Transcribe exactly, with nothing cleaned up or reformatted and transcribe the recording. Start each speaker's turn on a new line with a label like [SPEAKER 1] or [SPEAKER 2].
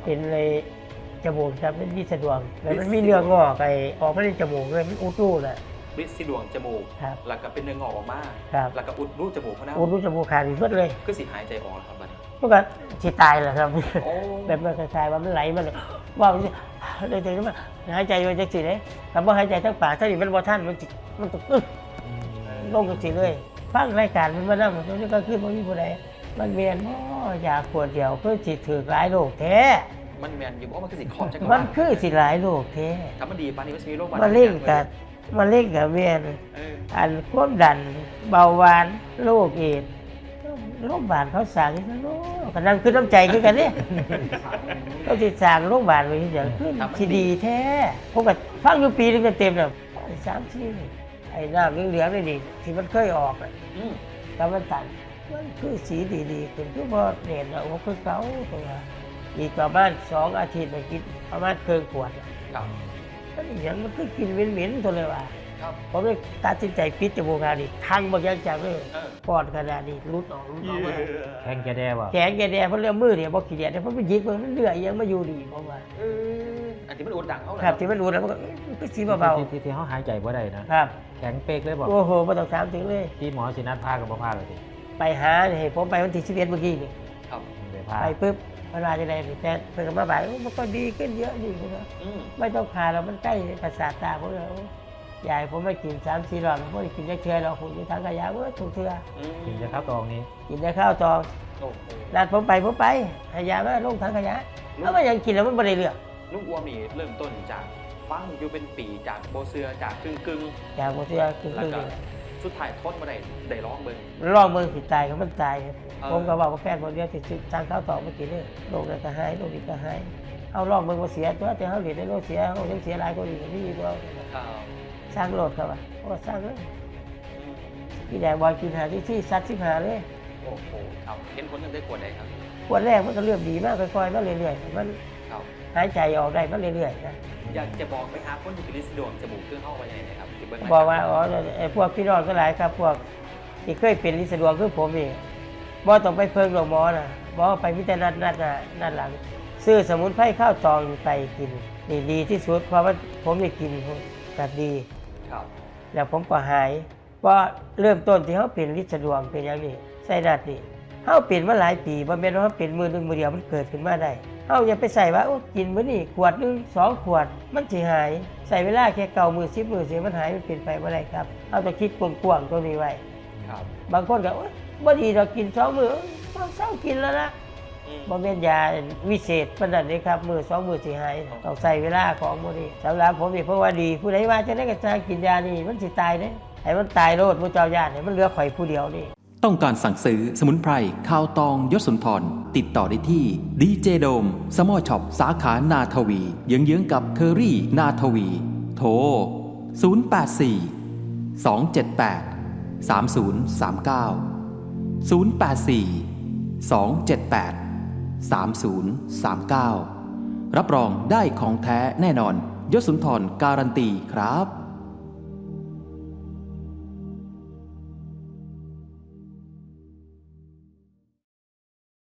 [SPEAKER 1] เป็นเลยจมูกครับเป็นที่สะดวกแล้วมันมีเนื้องอกไอออกมาในจมูกเลยมันอุดรูแหละ
[SPEAKER 2] ริดสีดวงจมูก
[SPEAKER 1] ครับ
[SPEAKER 2] แล้วก็เป็นเนื้องอกออกมา
[SPEAKER 1] ครับ
[SPEAKER 2] แล้วก็อุดรูจมูกเขานะ
[SPEAKER 1] อุดรูจมูกขาดอีกเพิ่เลย
[SPEAKER 2] คือสิหายใจออกแล้วครับบัดนี้
[SPEAKER 1] มันก็สิตายแหละครับ
[SPEAKER 2] โอ้
[SPEAKER 1] แบบมันคล้ายๆว่ามันไหลมันว่ามันเลยถึงว่าหายใจไว้จังสิเลยแต่ว่าหายใจทั้งปากถ้าดิมันบ่ทันมันสิมันตกอึ้งลงจังสิเลยฟังรายการมันมานั่งมันก็ขึ้นมันมีผู้ใดมันเวียนอ๋อยาขวดเดียวเพื่อสิถือหลายโรคแท้
[SPEAKER 2] มันแมนอยู่ว่ามันคือสิขอบจักร
[SPEAKER 1] มั
[SPEAKER 2] วาน ล
[SPEAKER 1] คือสิหลายโรคแท้
[SPEAKER 2] ถ้ามันดีปานนี้มันจะมีโรค
[SPEAKER 1] มาเล่นกับมาเล่นกับเวียน
[SPEAKER 2] เออ
[SPEAKER 1] อันความดันเบาหวานโรคเอดส์โรคบาดเขาสั่งนี่โรคกำลังขึ้นน้ำใจขึ้นกันเนี่ยเขาติดสั่งโรคบาดไว้อย่างขึ้นที่ดีแท้ผมก็ฟังอยู่ปีนึงเต็มๆเลยสามสี่ไอ้น้ำเหลืองๆนี่ดิที่มันเคยออกอะ
[SPEAKER 2] อืม
[SPEAKER 1] แต่มันตันมันคือสีดีๆขึ้นคือพอเด่นแล้วคือเก่าตัวอีกประมาณสองอาทิตย์ไปกินประมาณเกินขวด
[SPEAKER 2] ครับ
[SPEAKER 1] นั่นอย่างมันคือกินเหม็นๆตัวเลยว่ะ
[SPEAKER 2] ครับ
[SPEAKER 1] ผมเลยตัดสินใจปิดจมูกขาดอีกทั้งบางอย่างจากเลย
[SPEAKER 2] เออ
[SPEAKER 1] ปอดขนาดนี้รุดออกรุดออกมา
[SPEAKER 3] แข้งแกแดวะ
[SPEAKER 1] แขนแกแดงเพราะเรื่องมือเนี่ยบอกขี้เดียดเพราะมันยิกมันเลือดยังมาอยู่ดีเพราะว่า
[SPEAKER 2] เอออันที่มันอุดดังเขาเลย
[SPEAKER 1] ครับที่มันรู้แล้วมันก็มันก็สีเบา
[SPEAKER 3] ที่ที่ที่เขาหายใจบ่ได้นะ
[SPEAKER 1] ๆครับ
[SPEAKER 3] แข็งเป๊กเลยบอก
[SPEAKER 1] โอ้โหไม่ต้องถามถึงเลย
[SPEAKER 3] ที่หมอสินัดพากับบ่พาเลยสิ
[SPEAKER 1] ไปหาเนี่ยผมไปวันที่สิบเอ็ดเมื่อกี้นี่
[SPEAKER 2] ครับ
[SPEAKER 3] ไปพา
[SPEAKER 1] ไปปุ๊บเวลาจะได้แต่เพิ่งมาบ่ายมันก็ดีขึ้นเยอะดีขึ้นนะ
[SPEAKER 2] อืม
[SPEAKER 1] ไม่ต้องพาเรามันใกล้ประสาทตาผมเลยยายผมไม่กินสามสี่รอบผมไม่กินยักเชือเราคุณอยู่ทางขยะเว้ยถูกเชือ
[SPEAKER 2] อืม
[SPEAKER 3] กินจะข้าวตองนี้
[SPEAKER 1] กินได้ข้าวตอง
[SPEAKER 2] โอ้โห
[SPEAKER 1] นัดผมไปผมไปขยะมาลงทางขยะแล้วมันยังกินแล้วมันไม่ได้เลือก
[SPEAKER 2] ลุงอ้วมนี่เริ่มต้นจากฟังอยู่เป็นปีจากโบเสือจากกึ่งกึ่ง
[SPEAKER 1] จากหมดเชือคือ
[SPEAKER 2] ๆแล้ว
[SPEAKER 1] คือ
[SPEAKER 2] ก็สุดท้ายทนมาได้ได้ร้องเบิ่ง
[SPEAKER 1] ลองเมืองสิตายก็มันตายครับ
[SPEAKER 2] เออ
[SPEAKER 1] ผมก็บอกว่าแฟนคนเดียวติดทางข้าวตองมากินเลยโรคนั้นก็หายโรคนี้ก็หายเอาลองเมืองมาเสียตัวแต่เขาเหรียญในโรคเสียเขายังเสียหลายคนอีกนี่ตัว
[SPEAKER 2] ครับ
[SPEAKER 1] สร้างโลดครับว่าโอ้สร้างเลย
[SPEAKER 2] อืม
[SPEAKER 1] พี่แดงบอยกินหาที่ที่ซัดที่หาเลย
[SPEAKER 2] โอ้โหครับเห็นผลกันได้ขวดใดครับ
[SPEAKER 1] ขวดแรกมันก็เริ่มดีมากค่อยๆมาเรื่อยๆมัน
[SPEAKER 2] ครับ
[SPEAKER 1] หายใจออกได้มาเรื่อยๆนะ
[SPEAKER 2] อยากจะบอกไหมครับคนที่เป็นลิสดวงจมูกเครื่องเข้าไปยังไงนะครับที่เบิ่ง
[SPEAKER 1] บอกว่าอ๋อไอ้พวกพี่น้องก็หลายครับ พวกที่เคยเป็นลิสะดวงคือผมนี่บ่ต้องไปเพิ่งหรอกหมอนะหมอไปพิจารณานัดหน้านัดหลัง ซื้อสมุนไพรข้าวตองไปกินนี่ดีที่สุดเพราะว่าผมได้กินแบบดี
[SPEAKER 2] ครับ
[SPEAKER 1] แล้วผมก็หายเพราะเริ่มต้นที่เขาเป็นลิสะดวงเป็นอย่างนี้ใส่นัดนี่เขาเป็นมาหลายปีบ่แม่นว่าเขาเป็นมือหนึงมือเดียวมันเกิดขึ้นมาได้เขาอย่าไปใส่ว่าโอ้กินมื้อนี้ขวดหนึงสองขวดมันสิหายใส่เวลาแค่เก่ามือสิบมือเสียมันหายมันเปลี่ยนไปบ่ได้ครับเอาต้องคิดกว้างๆตัวนี้ไว้
[SPEAKER 2] ครับ
[SPEAKER 1] บางคนก็โอ๊ยบ่ดีเรากินสองมือต้องเศร้ากินแล้วนะ
[SPEAKER 2] อืม
[SPEAKER 1] บ่แม่นยาวิเศษปานนั้นเด้ครับมือสองมือสิหายต้องใส่เวลาของบ่นี้สำหรับผมนี่เพราะว่าดีผู้ใดว่าจะได้ก็จะกินยานี่มันสิตายเด้ให้มันตายโลดผู้เจ้าญาติให้มันเหลือข่อยผู้เดียวนี่
[SPEAKER 4] ต้องการสั่งซื้อสมุนไพรข้าวตองยศสุนทรติดต่อได้ที่ดีเจโดมสมอช็อปสาขานาทวีเยื้องๆกับเคอรี่นาทวี โทร ศูนย์ แปด สี่ สอง เจ็ด แปด สาม ศูนย์ สาม เก้า ศูนย์ แปด สี่ สอง เจ็ด แปด สาม ศูนย์ สาม เก้า รับรองได้ของแท้แน่นอนยศสุนทรการันตีครับ